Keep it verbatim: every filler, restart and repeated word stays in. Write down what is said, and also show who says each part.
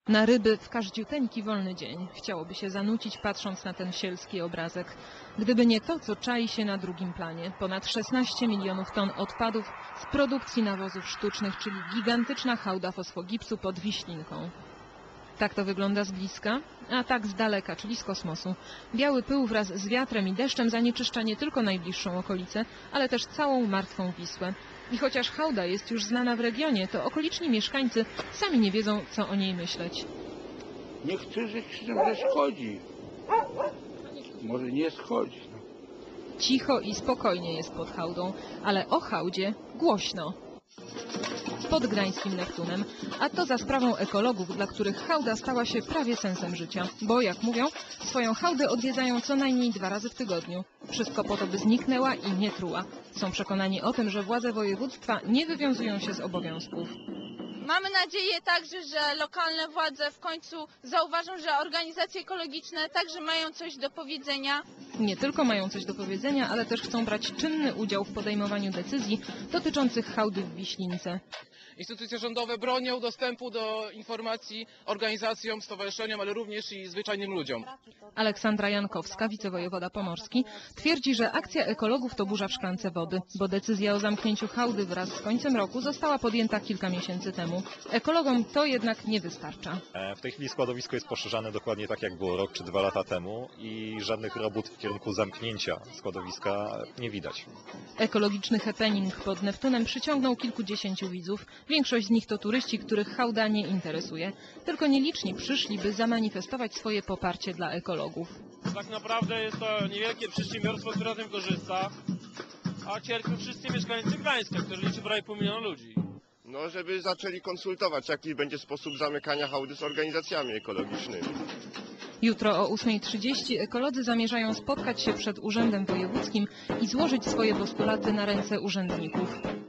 Speaker 1: Na ryby w każdziuteńki wolny dzień. Chciałoby się zanucić, patrząc na ten sielski obrazek. Gdyby nie to, co czai się na drugim planie. Ponad szesnaście milionów ton odpadów z produkcji nawozów sztucznych, czyli gigantyczna hałda fosfogipsu pod Wiślinką. Tak to wygląda z bliska, a tak z daleka, czyli z kosmosu. Biały pył wraz z wiatrem i deszczem zanieczyszcza nie tylko najbliższą okolicę, ale też całą martwą Wisłę. I chociaż hałda jest już znana w regionie, to okoliczni mieszkańcy sami nie wiedzą, co o niej myśleć.
Speaker 2: Niektórzy krzyczą, że schodzi. Może nie schodzi. No.
Speaker 1: Cicho i spokojnie jest pod hałdą, ale o hałdzie głośno. Pod gdańskim Neptunem, a to za sprawą ekologów, dla których hałda stała się prawie sensem życia, bo jak mówią, swoją hałdę odwiedzają co najmniej dwa razy w tygodniu. Wszystko po to, by zniknęła i nie truła. Są przekonani o tym, że władze województwa nie wywiązują się z obowiązków.
Speaker 3: Mamy nadzieję także, że lokalne władze w końcu zauważą, że organizacje ekologiczne także mają coś do powiedzenia.
Speaker 1: Nie tylko mają coś do powiedzenia, ale też chcą brać czynny udział w podejmowaniu decyzji dotyczących hałdy w Wiślince.
Speaker 4: Instytucje rządowe bronią dostępu do informacji organizacjom, stowarzyszeniom, ale również i zwyczajnym ludziom.
Speaker 1: Aleksandra Jankowska, wicewojewoda pomorski, twierdzi, że akcja ekologów to burza w szklance wody, bo decyzja o zamknięciu hałdy wraz z końcem roku została podjęta kilka miesięcy temu. Ekologom to jednak nie wystarcza.
Speaker 5: W tej chwili składowisko jest poszerzane dokładnie tak, jak było rok czy dwa lata temu i żadnych robót w kierunku zamknięcia składowiska nie widać.
Speaker 1: Ekologiczny happening pod Neptunem przyciągnął kilkudziesięciu widzów. Większość z nich to turyści, których hałda nie interesuje. Tylko nieliczni przyszli, by zamanifestować swoje poparcie dla ekologów.
Speaker 6: Tak naprawdę jest to niewielkie przedsiębiorstwo, które na tym korzysta, a cierpią wszyscy mieszkańcy Gdańska, który liczy prawie pół miliona ludzi.
Speaker 7: No, żeby zaczęli konsultować, jaki będzie sposób zamykania hałdy z organizacjami ekologicznymi.
Speaker 1: Jutro o ósmej trzydzieści ekolodzy zamierzają spotkać się przed Urzędem Wojewódzkim i złożyć swoje postulaty na ręce urzędników.